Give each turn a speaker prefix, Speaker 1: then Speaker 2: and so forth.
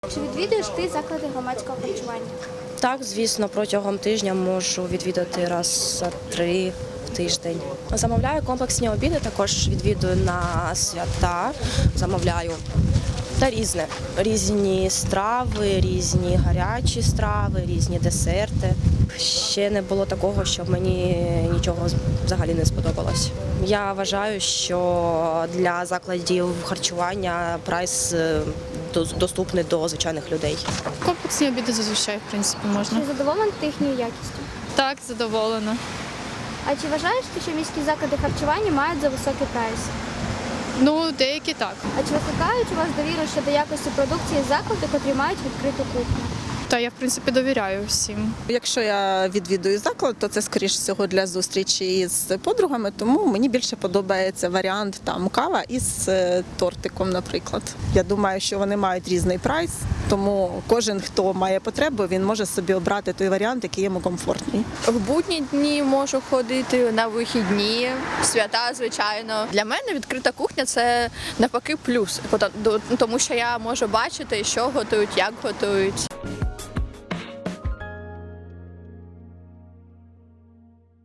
Speaker 1: Чи відвідуєш ти заклади громадського харчування?
Speaker 2: Так, звісно, протягом тижня можу відвідати раз за 3 в тиждень. Замовляю комплексні обіди, також відвідую на свята, замовляю та різне. Різні страви, різні гарячі страви, різні десерти. Ще не було такого, щоб мені нічого взагалі не сподобалось. Я вважаю, що для закладів харчування прайс доступний до звичайних людей.
Speaker 3: Комплексні обіди зазвичай, в принципі, можна.
Speaker 1: Чи задоволена ти їхньою якістю?
Speaker 3: Так, задоволена.
Speaker 1: А чи вважаєш ти, що міські заклади харчування мають за високий прайс?
Speaker 3: Ну, деякі так.
Speaker 1: А чи викликають у вас довіру щодо якості продукції заклади, котрі мають відкриту кухню?
Speaker 3: Та я, в принципі, довіряю всім.
Speaker 4: Якщо я відвідую заклад, то це, скоріш всього, для зустрічі з подругами, тому мені більше подобається варіант там кава із тортиком, наприклад. Я думаю, що вони мають різний прайс, тому кожен, хто має потребу, він може собі обрати той варіант, який йому комфортний.
Speaker 5: В будні дні можу ходити, на вихідні, свята, звичайно. Для мене відкрита кухня – це навпаки плюс, тому що я можу бачити, що готують, як готують.